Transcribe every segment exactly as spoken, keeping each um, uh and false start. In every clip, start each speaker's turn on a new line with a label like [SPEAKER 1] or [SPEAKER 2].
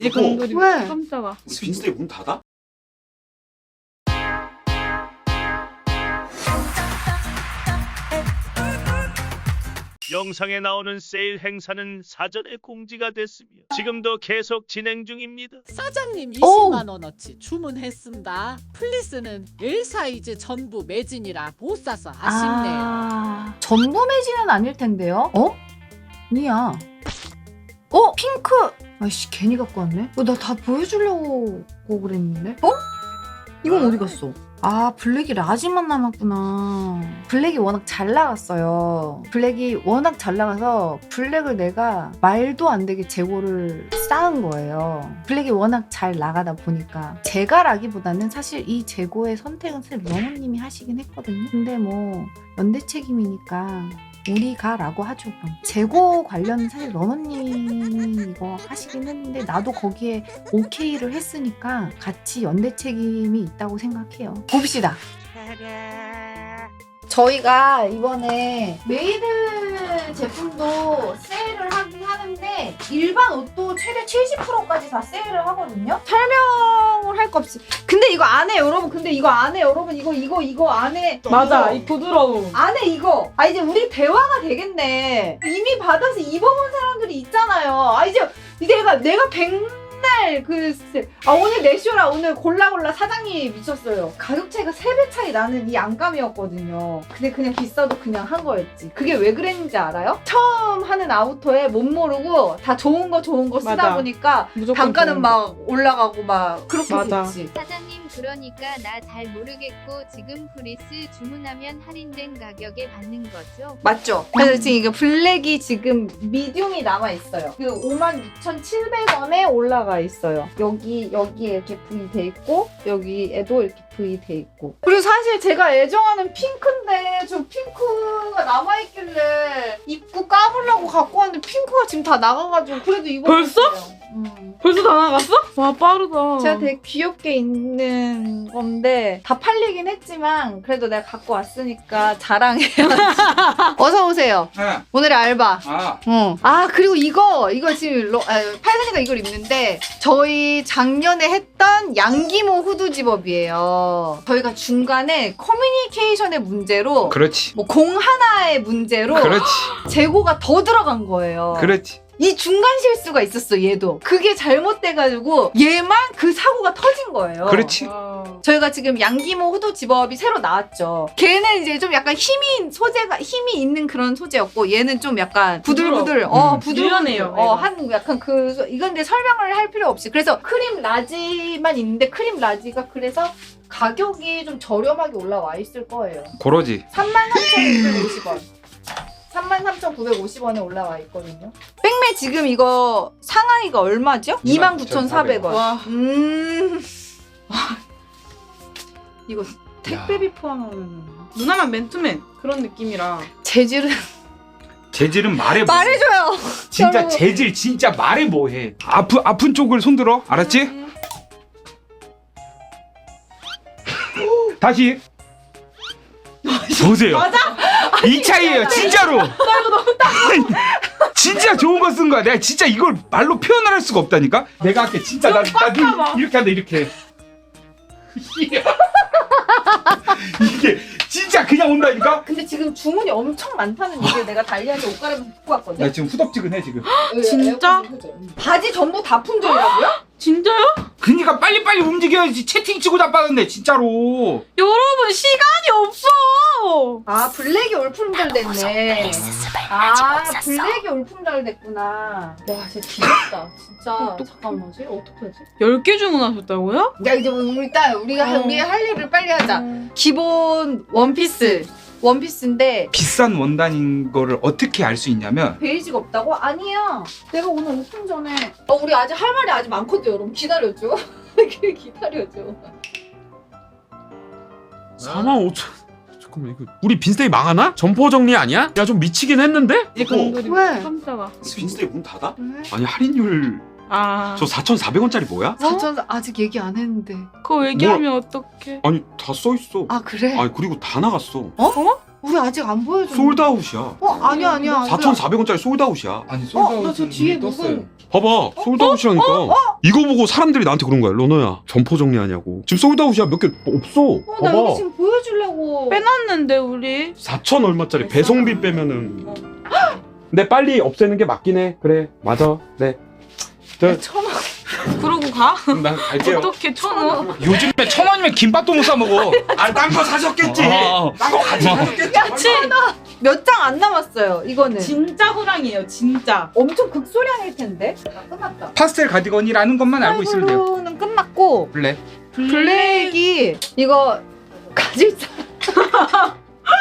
[SPEAKER 1] 이 공돌이
[SPEAKER 2] 왜?
[SPEAKER 1] 깜짝아.
[SPEAKER 3] 빈스데이 문 닫아?
[SPEAKER 4] 영상에 나오는 세일 행사는 사전에 공지가 됐으며 지금도 계속 진행 중입니다.
[SPEAKER 5] 사장님
[SPEAKER 2] 오!
[SPEAKER 5] 이십만 원어치 주문했습니다. 플리스는 일 사이즈 전부 매진이라 못 사서 아쉽네요.
[SPEAKER 2] 아, 전부 매진은 아닐 텐데요. 어? 아니야. 어? 핑크. 아이씨 괜히 갖고 왔네. 어, 나 다 보여주려고 그랬는데. 어? 이건 어디 갔어? 아, 블랙이 라지만 남았구나. 블랙이 워낙 잘 나갔어요. 블랙이 워낙 잘 나가서 블랙을 내가 말도 안 되게 재고를 쌓은 거예요. 블랙이 워낙 잘 나가다 보니까 제가 라기보다는 사실 이 재고의 선택은 사실 러너님이 하시긴 했거든요. 근데 뭐 연대 책임이니까 우리가 라고 하죠. 그럼 재고 관련은 사실 러너님이 이거 하시긴 했는데 나도 거기에 오케이를 했으니까 같이 연대 책임이 있다고 생각해요. 봅시다. 저희가 이번에 메이드 제품도 세일을 하긴 하는데 일반 옷도 최대 칠십 퍼센트까지 다 세일을 하거든요. 설명을 할 거 없이. 근데 이거 안에 여러분, 근데 이거 안에 여러분 이거 이거 이거 안에
[SPEAKER 1] 맞아,
[SPEAKER 2] 이거.
[SPEAKER 1] 이 부드러움.
[SPEAKER 2] 안에 이거. 아 이제 우리 대화가 되겠네. 이미 받아서 입어본 사람들이 있잖아요. 아 이제 이제 내가 내가 백날 그 아 오늘 내 쇼라 오늘 골라골라 사장님이 미쳤어요. 가격 차이가 세 배 차이 나는 이 안감이었거든요. 근데 그냥 비싸도 그냥 한 거였지. 그게 왜 그랬는지 알아요? 처음 하는 아우터에 못 모르고 다 좋은 거 좋은 거 쓰다
[SPEAKER 1] 맞아.
[SPEAKER 2] 보니까
[SPEAKER 1] 무조건
[SPEAKER 2] 단가는
[SPEAKER 1] 좋은
[SPEAKER 2] 막 올라가고 막 그렇게
[SPEAKER 1] 맞아.
[SPEAKER 2] 됐지.
[SPEAKER 6] 사장님 그러니까 나 잘 모르겠고 지금 프리스 주문하면 할인된 가격에 받는 거죠?
[SPEAKER 2] 맞죠? 그래서 지금 이거 블랙이 지금 미디움이 남아있어요. 그 오만 육천칠백 원에 올라가 있어요. 여기, 여기에 이렇게 V 돼 있고, 여기에도 이렇게 V 돼 있고. 그리고 사실 제가 애정하는 핑크인데, 저 핑크가 남아있길래 입고 까보려고 갖고 왔는데 핑크가 지금 다 나가가지고, 그래도 이거.
[SPEAKER 1] 벌써?
[SPEAKER 2] 음.
[SPEAKER 1] 벌써 다 나갔어? 와, 빠르다.
[SPEAKER 2] 제가 되게 귀엽게 입는 건데 다 팔리긴 했지만 그래도 내가 갖고 왔으니까 자랑해야지. 어서 오세요.
[SPEAKER 3] 네.
[SPEAKER 2] 오늘의 알바.
[SPEAKER 3] 아,
[SPEAKER 2] 어. 아 그리고 이거 이거 지금 러, 아, 팔순이가 이걸 입는데 저희 작년에 했던 양기모 후드 집업이에요. 저희가 중간에 커뮤니케이션의 문제로
[SPEAKER 3] 그렇지.
[SPEAKER 2] 뭐 공 하나의 문제로
[SPEAKER 3] 그렇지.
[SPEAKER 2] 재고가 더 들어간 거예요.
[SPEAKER 3] 그렇지.
[SPEAKER 2] 이 중간 실수가 있었어, 얘도. 그게 잘못돼가지고 얘만 그 사고가 터진 거예요.
[SPEAKER 3] 그렇지.
[SPEAKER 1] 와.
[SPEAKER 2] 저희가 지금 양기모 후드 집업이 새로 나왔죠. 걔는 이제 좀 약간 힘이 소재가 힘이 있는 그런 소재였고 얘는 좀 약간 부들부들 어
[SPEAKER 3] 음.
[SPEAKER 2] 부들부들
[SPEAKER 1] 유연해요,
[SPEAKER 2] 어,
[SPEAKER 1] 얘가.
[SPEAKER 2] 한 약간 그 소- 이건 근데 설명을 할 필요 없이 그래서 크림 라지만 있는데 크림 라지가 그래서 가격이 좀 저렴하게 올라와 있을 거예요.
[SPEAKER 3] 고러지.
[SPEAKER 2] 삼만 삼천구백오십 원. 삼만 삼천구백오십 원에 올라와 있거든요. 백매 지금 이거 상하이가 얼마죠? 이만 구천사백 원.
[SPEAKER 1] 와.
[SPEAKER 2] 음. 이거 택배비 포함하면
[SPEAKER 1] 누나만 맨투맨 그런 느낌이라.
[SPEAKER 2] 재질은
[SPEAKER 3] 재질은 말해. 뭐.
[SPEAKER 2] 말해줘요.
[SPEAKER 3] 진짜
[SPEAKER 2] 여러분.
[SPEAKER 3] 재질 진짜 말해 뭐해. 아프 아픈 쪽을 손들어. 알았지?
[SPEAKER 1] 음.
[SPEAKER 3] 다시. 보세요.
[SPEAKER 1] 맞아?
[SPEAKER 3] 이 차이예요, 진짜로. 진짜 좋은 거 쓴 거야. 내가 진짜 이걸 말로 표현을 할 수가 없다니까. 내가 할게. 진짜 나, 나 눈
[SPEAKER 1] 봐.
[SPEAKER 3] 이렇게 한다 이렇게. 이게 진짜 그냥 온다니까.
[SPEAKER 2] 근데 지금 주문이 엄청 많다는 얘기를 내가 달리한테 옷 갈아입고 입고 왔거든.
[SPEAKER 3] 나 지금 후덥지근해 지금.
[SPEAKER 1] 진짜?
[SPEAKER 2] 바지 전부 다 품절이라고요?
[SPEAKER 1] 진짜요?
[SPEAKER 3] 그니까 빨리빨리 움직여야지. 채팅 치고 자빠졌네 진짜로.
[SPEAKER 1] 여러분 시간이 없어.
[SPEAKER 2] 아 블랙이 올품절 됐네. 아 블랙이 올품절 됐구나. 와 진짜 귀엽다. 진짜 잠깐만 쟤 어떡하지?
[SPEAKER 1] 열 개 주문하셨다고요?
[SPEAKER 2] 야 이제 우리 일단 우리가 할-
[SPEAKER 1] 어.
[SPEAKER 2] 우리 할 일을 빨리 하자.
[SPEAKER 1] 음.
[SPEAKER 2] 기본 원피스 원피스인데
[SPEAKER 3] 비싼 원단인 거를 어떻게 알 수 있냐면
[SPEAKER 2] 베이지가 없다고? 아니야. 내가 오늘 오픈 전에 어 우리 아직 할 말이 아직 많거든 여러분. 기다려줘. 기다려줘.
[SPEAKER 7] 사만 오천. 잠깐만 이거 우리 빈스데이 망하나? 점포 정리 아니야? 야 좀 미치긴 했는데?
[SPEAKER 1] 이 공돌이
[SPEAKER 2] 왜?
[SPEAKER 1] 깜짝아.
[SPEAKER 3] 빈스데이 문 닫아?
[SPEAKER 2] 왜?
[SPEAKER 3] 아니 할인율
[SPEAKER 1] 아.
[SPEAKER 3] 저 사천사백 원짜리 뭐야?
[SPEAKER 2] 사천 아직 얘기 안 했는데.
[SPEAKER 1] 그거 얘기하면 어떡해?
[SPEAKER 3] 아니 다 써있어.
[SPEAKER 2] 아 그래?
[SPEAKER 3] 아니 그리고 다 나갔어.
[SPEAKER 2] 우리 아직 안 보여줘.
[SPEAKER 3] 솔드아웃이야.
[SPEAKER 2] 어 아니야 아니야.
[SPEAKER 7] 사천사백 원짜리 솔드아웃이야.
[SPEAKER 3] 아니
[SPEAKER 2] 어,
[SPEAKER 3] 솔드아웃은
[SPEAKER 2] 나저 뒤에
[SPEAKER 3] 이미 떴어요.
[SPEAKER 2] 무슨-
[SPEAKER 7] 봐봐, 솔드아웃이라니까. 이거 보고 사람들이 나한테 그런 거야. 러너야, 점포 정리하냐고. 지금 솔드아웃이야. 몇 개 없어.
[SPEAKER 2] 어, 나
[SPEAKER 7] 봐봐.
[SPEAKER 2] 여기 지금 보여주려고.
[SPEAKER 1] 빼놨는데 우리.
[SPEAKER 7] 사천 얼마짜리
[SPEAKER 2] 됐어.
[SPEAKER 7] 배송비 빼면은. 근데 빨리 없애는 게 맞긴 해. 그래, 맞아. 네. 저,
[SPEAKER 2] 천 원.
[SPEAKER 1] 그러고 가?
[SPEAKER 7] 난 갈게요.
[SPEAKER 1] 어떻게 천 원?
[SPEAKER 3] 요즘에 천 원이면 김밥도 못 사 먹어.
[SPEAKER 7] 아, 딴 거 사셨겠지.
[SPEAKER 3] 어.
[SPEAKER 7] 딴 거 같이 사셨겠지.
[SPEAKER 1] 그치?
[SPEAKER 2] 몇 장 안 남았어요. 이거는.
[SPEAKER 1] 진짜 호랑이에요 진짜.
[SPEAKER 2] 엄청 극소량일 텐데. 아, 끝났다.
[SPEAKER 3] 파스텔 가디건이라는 것만 알고 있으면 돼요.
[SPEAKER 2] 블루는 끝났고
[SPEAKER 3] 블랙.
[SPEAKER 2] 블랙이 이거 가질 사.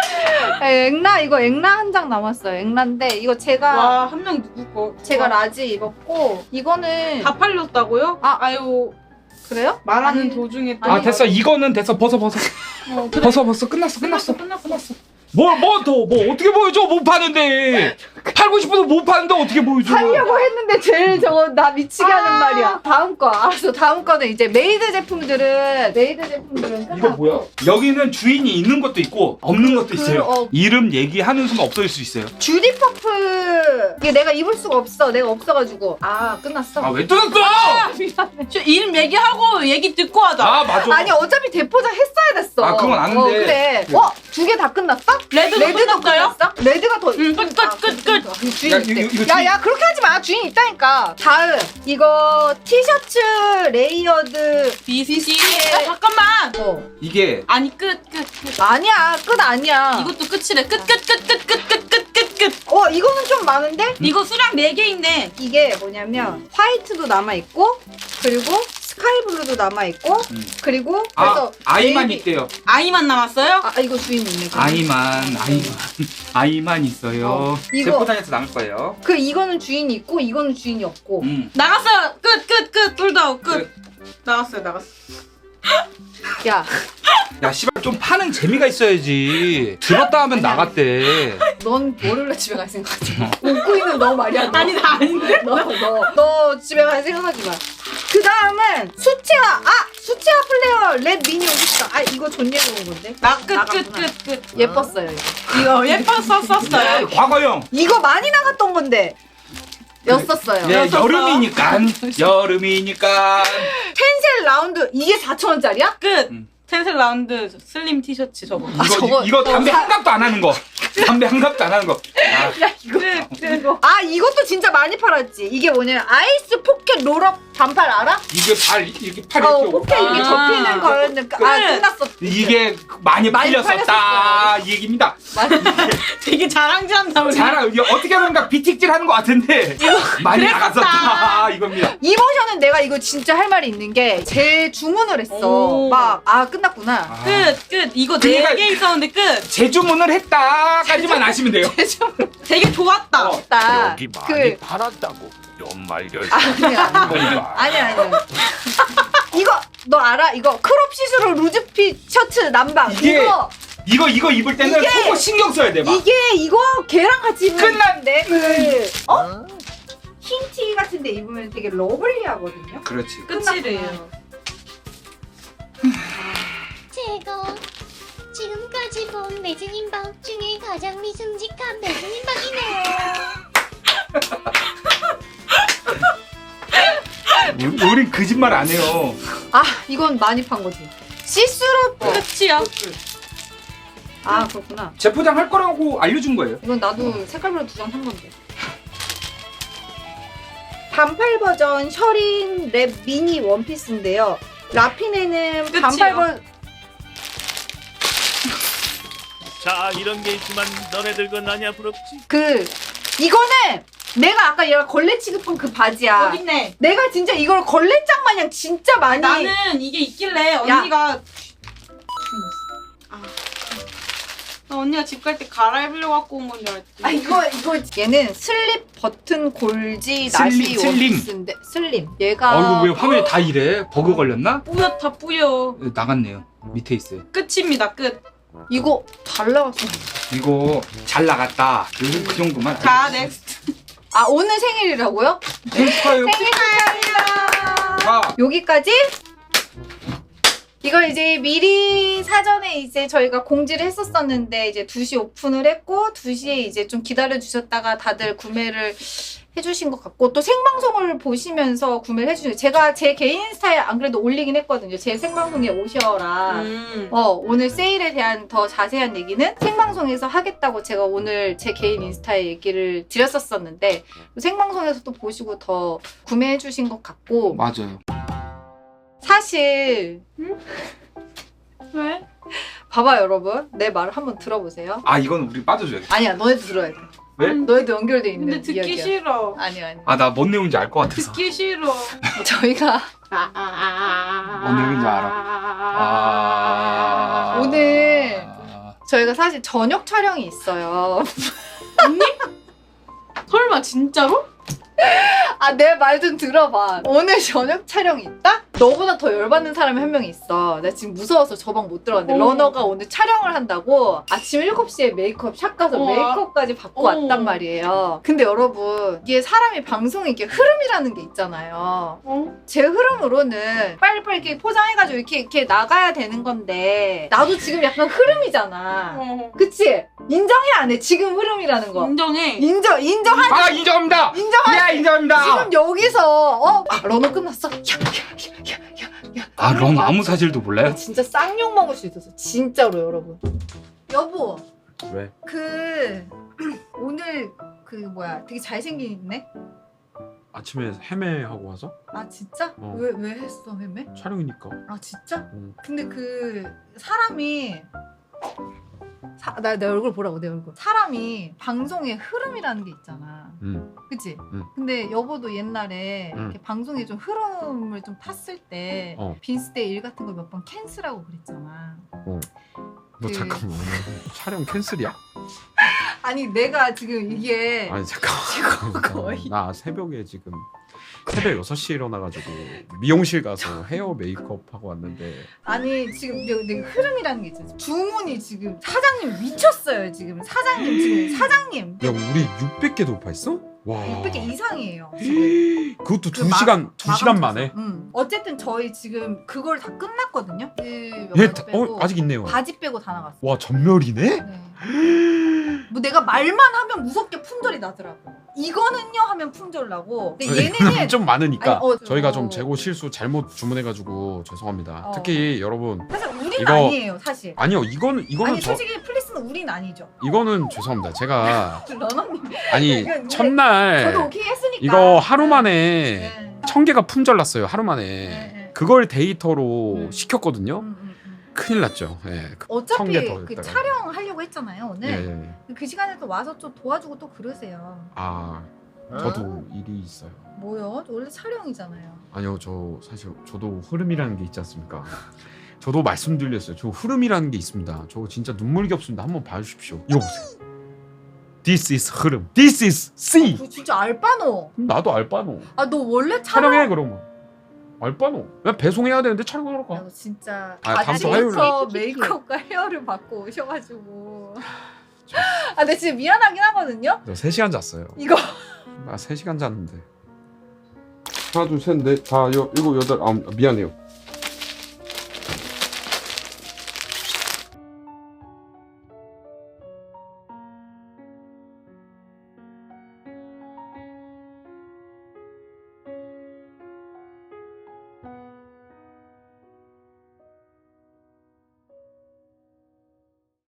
[SPEAKER 2] 앵라 이거 앵라 한 장 남았어요. 앵라인데 이거 제가
[SPEAKER 1] 와 한 명 누구 거?
[SPEAKER 2] 제가
[SPEAKER 1] 와,
[SPEAKER 2] 라지 입었고 이거는
[SPEAKER 1] 다 팔렸다고요?
[SPEAKER 2] 아.
[SPEAKER 1] 아유
[SPEAKER 2] 그래요?
[SPEAKER 1] 말하는
[SPEAKER 2] 아니,
[SPEAKER 1] 도중에
[SPEAKER 3] 아 됐어. 이거는 됐어. 벗어 벗어.
[SPEAKER 1] 어, 그래.
[SPEAKER 3] 벗어 벗어. 끝났어 끝났어.
[SPEAKER 1] 끝났어 끝났어.
[SPEAKER 3] 뭘 뭐 더 뭐 어떻게 보여줘? 못 파는데. 팔고 싶어도 못 파는데 어떻게 보여줘?
[SPEAKER 2] 하려고 했는데 제일 저거 나 미치게 하는 말이야. 다음 거 알았어. 다음 거는 이제 메이드 제품들은 메이드 제품들은 끝났고.
[SPEAKER 3] 이거 뭐야? 여기는 주인이 있는 것도 있고 없는 것도
[SPEAKER 2] 그,
[SPEAKER 3] 있어요.
[SPEAKER 2] 어.
[SPEAKER 3] 이름 얘기하는 순간 없어질 수 있어요.
[SPEAKER 2] 주디 퍼프 이게 내가 입을 수가 없어. 내가 없어가지고 아 끝났어.
[SPEAKER 3] 아 왜 뜯었어?
[SPEAKER 2] 미안해.
[SPEAKER 1] 저 이름 얘기하고 얘기 듣고 하자.
[SPEAKER 3] 아 맞아.
[SPEAKER 2] 아니 어차피 대포장 했어야 됐어.
[SPEAKER 3] 아, 그건 아는데.
[SPEAKER 2] 어, 그래. 어? 두 개 다 끝났어?
[SPEAKER 1] 레드도
[SPEAKER 2] 레드도
[SPEAKER 1] 끝났어요?
[SPEAKER 2] 끝났어? 레드가 더.
[SPEAKER 1] 응, 끝, 끝,
[SPEAKER 2] 아,
[SPEAKER 1] 끝,
[SPEAKER 2] 끝.
[SPEAKER 1] 끝.
[SPEAKER 2] 주인
[SPEAKER 3] 야,
[SPEAKER 2] 있대.
[SPEAKER 3] 이거, 이거
[SPEAKER 2] 야,
[SPEAKER 3] 주인-
[SPEAKER 2] 야, 그렇게 하지 마. 주인 있다니까. 다음. 이거 티셔츠 레이어드.
[SPEAKER 1] 비스티. 아, 잠깐만.
[SPEAKER 2] 어.
[SPEAKER 3] 이게
[SPEAKER 1] 아니 끝 끝 끝.
[SPEAKER 2] 아니야. 끝 아니야.
[SPEAKER 1] 이것도 끝이래. 끝 끝 끝 끝 끝 끝 끝 끝 끝.
[SPEAKER 2] 어, 이거는 좀 많은데?
[SPEAKER 1] 이거 수량 네 개 있네.
[SPEAKER 2] 이게 뭐냐면 화이트도 남아있고 그리고 스카이블루도 남아있고
[SPEAKER 3] 음.
[SPEAKER 2] 그리고
[SPEAKER 3] 아
[SPEAKER 2] 그래서
[SPEAKER 3] 아이만
[SPEAKER 2] 네이비-
[SPEAKER 3] 있대요.
[SPEAKER 1] 아이만 남았어요?
[SPEAKER 2] 아, 이거 주인 있네. 그럼.
[SPEAKER 3] 아이만 아이만 아이만 있어요.
[SPEAKER 2] 어, 이거-
[SPEAKER 3] 제포장에서 남을 거예요.
[SPEAKER 2] 그 이거는 주인이 있고 이거는 주인이 없고.
[SPEAKER 3] 음.
[SPEAKER 1] 나갔어요. 끝 끝 끝. 둘다 끝.
[SPEAKER 3] 끝.
[SPEAKER 1] 나갔어요 나갔어.
[SPEAKER 2] 야,
[SPEAKER 3] 야 씨발 좀 파는 재미가 있어야지. 들었다 하면 나갔대.
[SPEAKER 2] 넌 월요일에 집에 갈 생각하지 마. 웃고 있는 너 말이야. 너.
[SPEAKER 1] 아니 나 아닌데.
[SPEAKER 2] 너, 너, 너 집에 갈 생각하지 마. 그 다음은 수채화. 아! 수채화 플레이어 랩 미니 오셨다. 아, 이거 존예로 온 건데.
[SPEAKER 1] 나 끝 끝
[SPEAKER 2] 나갔구나.
[SPEAKER 1] 끝 끝.
[SPEAKER 2] 예뻤어요, 이거.
[SPEAKER 1] 이거 예뻤었었어요.
[SPEAKER 3] 과거형.
[SPEAKER 2] 이거 많이 나갔던 건데. 였었어요.
[SPEAKER 3] 예,
[SPEAKER 1] 였었어.
[SPEAKER 3] 여름이니까. 여름이니까.
[SPEAKER 2] 텐셀 라운드 이게 사천 원짜리야?
[SPEAKER 1] 끝.
[SPEAKER 3] 음.
[SPEAKER 1] 텐셀 라운드 슬림 티셔츠 저거.
[SPEAKER 3] 이거
[SPEAKER 2] 저거-
[SPEAKER 3] 이거 담배
[SPEAKER 2] 저거
[SPEAKER 3] 한 갑도 안 하는 거. 담배 한 갑도 안 하는 거. 아,
[SPEAKER 1] 끝 끝.
[SPEAKER 2] 아, 이것도 진짜 많이 팔았지. 이게 뭐냐면 아이스 포켓 롤업 반팔 알아?
[SPEAKER 3] 이게 발 이렇게 팔
[SPEAKER 2] 어,
[SPEAKER 3] 이렇게
[SPEAKER 2] 포켓 이게
[SPEAKER 1] 아.
[SPEAKER 2] 접히는 거였는데. 아,
[SPEAKER 1] 그래.
[SPEAKER 2] 끝났어.
[SPEAKER 3] 이게 많이
[SPEAKER 2] 많이
[SPEAKER 3] 팔렸었다 이 얘기입니다.
[SPEAKER 2] 많이
[SPEAKER 1] 되게 자랑질한다 우리.
[SPEAKER 3] 잘 이게 어떻게 보면 비틱질 하는 것 같은데 많이
[SPEAKER 1] 그랬었다.
[SPEAKER 3] 나갔었다 이겁니다.
[SPEAKER 2] 이모션은 내가 이거 진짜 할 말이 있는 게 재주문을 했어.
[SPEAKER 1] 오.
[SPEAKER 2] 막 아 끝났구나.
[SPEAKER 3] 아,
[SPEAKER 1] 끝 끝. 이거
[SPEAKER 3] 그러니까-
[SPEAKER 1] 네 개 있었는데 끝.
[SPEAKER 3] 재주문을 했다까지만 아시면 돼요.
[SPEAKER 1] 되게 좋았다.
[SPEAKER 3] 어.
[SPEAKER 2] 딱
[SPEAKER 4] 여기 많이
[SPEAKER 2] 그
[SPEAKER 4] 팔았다고 연말결
[SPEAKER 2] 아니야 아니야 아니야. 이거 너 알아? 이거 크롭 시스루 루즈핏 셔츠 남방.
[SPEAKER 3] 이게
[SPEAKER 2] 이거
[SPEAKER 3] 이거 이거 입을 때는
[SPEAKER 2] 이게-
[SPEAKER 3] 속옷 신경 써야 돼 막.
[SPEAKER 2] 이게 이거 걔랑 같이 입으면
[SPEAKER 3] 끝났네.
[SPEAKER 2] 그 어? 흰 티 같은데 입으면 되게 러블리하거든요.
[SPEAKER 3] 그렇지.
[SPEAKER 1] 끝이래요.
[SPEAKER 8] 최고. 지금까지 본 매진임박 중에 가장 미슴직한 매진임박이네요.
[SPEAKER 3] 우- 우린 거짓말 안 해요.
[SPEAKER 2] 아 이건 많이 판 거지. 시스루
[SPEAKER 3] 어.
[SPEAKER 1] 끝이야.
[SPEAKER 2] 아 그렇구나.
[SPEAKER 3] 재포장 할 거라고 알려준 거예요.
[SPEAKER 2] 이건 나도 색깔별로 두 장 산 건데. 반팔 버전 셔린 랩 미니 원피스인데요. 라핀에는
[SPEAKER 1] 끝이요.
[SPEAKER 2] 반팔 버
[SPEAKER 4] 자 이런 게 있지만 너네들 건 아냐 부럽지.
[SPEAKER 2] 그 이거는 내가 아까 얘가 걸레 취급한 그 바지야.
[SPEAKER 1] 여기 있네.
[SPEAKER 2] 내가 진짜 이걸 걸레장 마냥 진짜 많이.
[SPEAKER 1] 나는 이게 있길래 언니가 아. 나 언니가 집 갈 때 갈아입으려고 갖고 온 건 줄 알았지.
[SPEAKER 2] 아 이거 이거 얘는 슬립 버튼 골지 나시
[SPEAKER 3] 슬림, 슬림.
[SPEAKER 2] 원피스인데 슬림. 얘가
[SPEAKER 3] 어 이거 왜 화면이 다 이래? 버그 걸렸나?
[SPEAKER 1] 뿌옇다 뿌여.
[SPEAKER 3] 예, 나갔네요. 밑에 있어요.
[SPEAKER 1] 끝입니다 끝.
[SPEAKER 2] 이거 잘 나갔어.
[SPEAKER 3] 이거 잘 나갔다. 요즘 그 정도만.
[SPEAKER 1] 자 넥스트.
[SPEAKER 2] 아 오늘 생일이라고요?
[SPEAKER 3] 축하해요.
[SPEAKER 2] 생일 축하합니다.
[SPEAKER 3] 자,
[SPEAKER 2] 여기까지 이걸 이제 미리 사전에 이제 저희가 공지를 했었었는데 이제 두 시 오픈을 했고 두 시에 이제 좀 기다려 주셨다가 다들 구매를 해주신 것 같고 또 생방송을 보시면서 구매를 해주세요. 제가 제 개인 인스타에 안 그래도 올리긴 했거든요. 제 생방송에 오셔라.
[SPEAKER 1] 음.
[SPEAKER 2] 어, 오늘 세일에 대한 더 자세한 얘기는 생방송에서 하겠다고 제가 오늘 제 개인 인스타에 얘기를 드렸었었는데 생방송에서 또 보시고 더 구매해 주신 것 같고
[SPEAKER 3] 맞아요.
[SPEAKER 2] 사실
[SPEAKER 1] 왜?
[SPEAKER 2] 봐봐 여러분 내 말을 한번 들어보세요.
[SPEAKER 3] 아 이건 우리 빠져줘야겠다.
[SPEAKER 2] 아니야 너네도 들어야 돼.
[SPEAKER 3] 왜?
[SPEAKER 2] 너희도 연결돼 있는
[SPEAKER 1] 근데 듣기
[SPEAKER 2] 이야기야.
[SPEAKER 1] 싫어.
[SPEAKER 2] 아니야 아니야.
[SPEAKER 3] 아 나 뭔 내용인지 알 것 같아서.
[SPEAKER 1] 듣기 싫어.
[SPEAKER 2] 저희가
[SPEAKER 3] 뭔 내용인지 알아. 아...
[SPEAKER 2] 오늘 저희가 사실 저녁 촬영이 있어요.
[SPEAKER 1] 설마 진짜로?
[SPEAKER 2] 아, 내 말 좀 들어봐. 오늘 저녁 촬영이 있다? 너보다 더 열받는 사람이 한 명 있어. 나 지금 무서워서 저 방 못 들어갔는데
[SPEAKER 1] 어머.
[SPEAKER 2] 러너가 오늘 촬영을 한다고 아침 일곱 시에 메이크업 샵 가서
[SPEAKER 1] 우와.
[SPEAKER 2] 메이크업까지 받고
[SPEAKER 1] 어머.
[SPEAKER 2] 왔단 말이에요. 근데 여러분 이게 사람이 방송에 이게 흐름이라는 게 있잖아요.
[SPEAKER 1] 어?
[SPEAKER 2] 제 흐름으로는 빨리빨리 이렇게 포장해가지고 이렇게 이렇게 나가야 되는 건데 나도 지금 약간 흐름이잖아.
[SPEAKER 1] 어.
[SPEAKER 2] 그치? 인정해 안 해? 지금 흐름이라는 거.
[SPEAKER 1] 인정해.
[SPEAKER 2] 인정 인정하지?
[SPEAKER 3] 아 인정합니다.
[SPEAKER 2] 인정하지?
[SPEAKER 3] 예 인정합니다.
[SPEAKER 2] 지금 여기서 어? 아, 러너 끝났어? 야야야야야
[SPEAKER 3] 아 런 아무 사실도 몰라요?
[SPEAKER 2] 진짜 쌍욕 먹을 수 있었어 진짜로 여러분. 여보
[SPEAKER 7] 왜?
[SPEAKER 2] 그 오늘 그 뭐야 되게 잘생긴 있네?
[SPEAKER 7] 아침에 헤매하고 와서?
[SPEAKER 2] 아 진짜?
[SPEAKER 7] 어.
[SPEAKER 2] 왜 왜 했어 헤매?
[SPEAKER 7] 촬영이니까.
[SPEAKER 2] 아 진짜?
[SPEAKER 7] 응.
[SPEAKER 2] 근데 그 사람이 사, 나, 내 얼굴 보라고 내 얼굴 사람이 방송의 흐름이라는 게 있잖아.
[SPEAKER 7] 응.
[SPEAKER 2] 그치?
[SPEAKER 7] 응.
[SPEAKER 2] 근데 여보도 옛날에
[SPEAKER 7] 응.
[SPEAKER 2] 이렇게 방송에 좀 흐름을 좀 탔을 때
[SPEAKER 7] 어.
[SPEAKER 2] 빈스데이 일 같은 걸 몇 번 캔슬하고 그랬잖아.
[SPEAKER 7] 너
[SPEAKER 2] 그-
[SPEAKER 7] 잠깐만. 촬영 캔슬이야?
[SPEAKER 2] 아니 내가 지금 이게
[SPEAKER 7] 아니 잠깐만.
[SPEAKER 2] 지금 거의
[SPEAKER 7] 나 새벽에 지금 새벽 여섯 시에 일어나가지고 미용실 가서 헤어 메이크업 하고 왔는데
[SPEAKER 2] 아니 지금 내, 내 흐름이라는 게 있잖아. 주문이 지금 사장님 미쳤어요 지금. 사장님 지금 사장님
[SPEAKER 7] 야 우리 육백 개 돌파했어? 와
[SPEAKER 2] 육백 개 이상이에요 지금.
[SPEAKER 7] 그것도
[SPEAKER 2] 그
[SPEAKER 7] 두
[SPEAKER 2] 마-
[SPEAKER 7] 시간 두 시간
[SPEAKER 2] 마감
[SPEAKER 7] 만에.
[SPEAKER 2] 쳐서. 응. 어쨌든 저희 지금 그걸 다 끝났거든요. 그
[SPEAKER 7] 예,
[SPEAKER 2] 몇
[SPEAKER 7] 다-
[SPEAKER 2] 가지 빼고
[SPEAKER 7] 어 아직 있네요.
[SPEAKER 2] 바지 빼고 다 나갔어.
[SPEAKER 7] 와 전멸이네?
[SPEAKER 2] 네. 뭐 내가 말만 하면 무섭게 품절이 나더라고. 이거는요 하면 품절 나고. 근데 얘네는
[SPEAKER 7] 좀 많으니까
[SPEAKER 2] 아니, 어,
[SPEAKER 7] 저희가
[SPEAKER 2] 어.
[SPEAKER 7] 좀 재고 실수 잘못 주문해가지고 죄송합니다.
[SPEAKER 2] 어.
[SPEAKER 7] 특히 여러분
[SPEAKER 2] 사실 우린
[SPEAKER 7] 이거-
[SPEAKER 2] 아니에요 사실.
[SPEAKER 7] 아니요 이거는 이거는
[SPEAKER 2] 아니
[SPEAKER 7] 저
[SPEAKER 2] 솔직히 플리스는 우린 아니죠.
[SPEAKER 7] 이거는 죄송합니다. 제가
[SPEAKER 2] 러너님.
[SPEAKER 7] 아니
[SPEAKER 2] 이건 우리-
[SPEAKER 7] 첫날
[SPEAKER 2] 저도 오케이 했으니까.
[SPEAKER 7] 이거 하루 만에
[SPEAKER 2] 네.
[SPEAKER 7] 천 개가 품절 났어요. 하루 만에
[SPEAKER 2] 네.
[SPEAKER 7] 그걸 데이터로
[SPEAKER 2] 음.
[SPEAKER 7] 시켰거든요.
[SPEAKER 2] 음, 음, 음.
[SPEAKER 7] 큰일 났죠. 예. 그
[SPEAKER 2] 어차피
[SPEAKER 7] 천 개 더
[SPEAKER 2] 그
[SPEAKER 7] 했다가.
[SPEAKER 2] 촬영하려고 했잖아요 오늘.
[SPEAKER 7] 예, 예, 예.
[SPEAKER 2] 그 시간에 또 와서 좀 도와주고 또 그러세요.
[SPEAKER 7] 아 저도 일이 있어요.
[SPEAKER 2] 뭐요? 원래 촬영이잖아요.
[SPEAKER 7] 아니요 저 사실 저도 흐름이라는 게 있지 않습니까? 저도 말씀드렸어요. 저 흐름이라는 게 있습니다. 저 진짜 눈물겹습니다. 한번 봐주십시오. 이거 보세요. This is 흐름. This is C.
[SPEAKER 2] 그 진짜 알바노.
[SPEAKER 7] 나도 알바노.
[SPEAKER 2] 아 너 원래 촬영.
[SPEAKER 7] 촬영해 그러면. 알바노. 그냥 배송해야 되는데 촬영하러 가.
[SPEAKER 2] 야, 너 진짜
[SPEAKER 7] 아, 다음 주
[SPEAKER 2] 아침부터
[SPEAKER 6] 화요일에.
[SPEAKER 2] 메이크업과 헤어를 받고 오셔가지고. 아, 근데 진짜 미안하긴 하거든요.
[SPEAKER 7] 저 세 시간 잤어요.
[SPEAKER 2] 이거
[SPEAKER 7] 나 세 시간 잤는데.
[SPEAKER 3] 하나 둘 셋 넷 다 여 일곱 여덟 아홉 미안해요.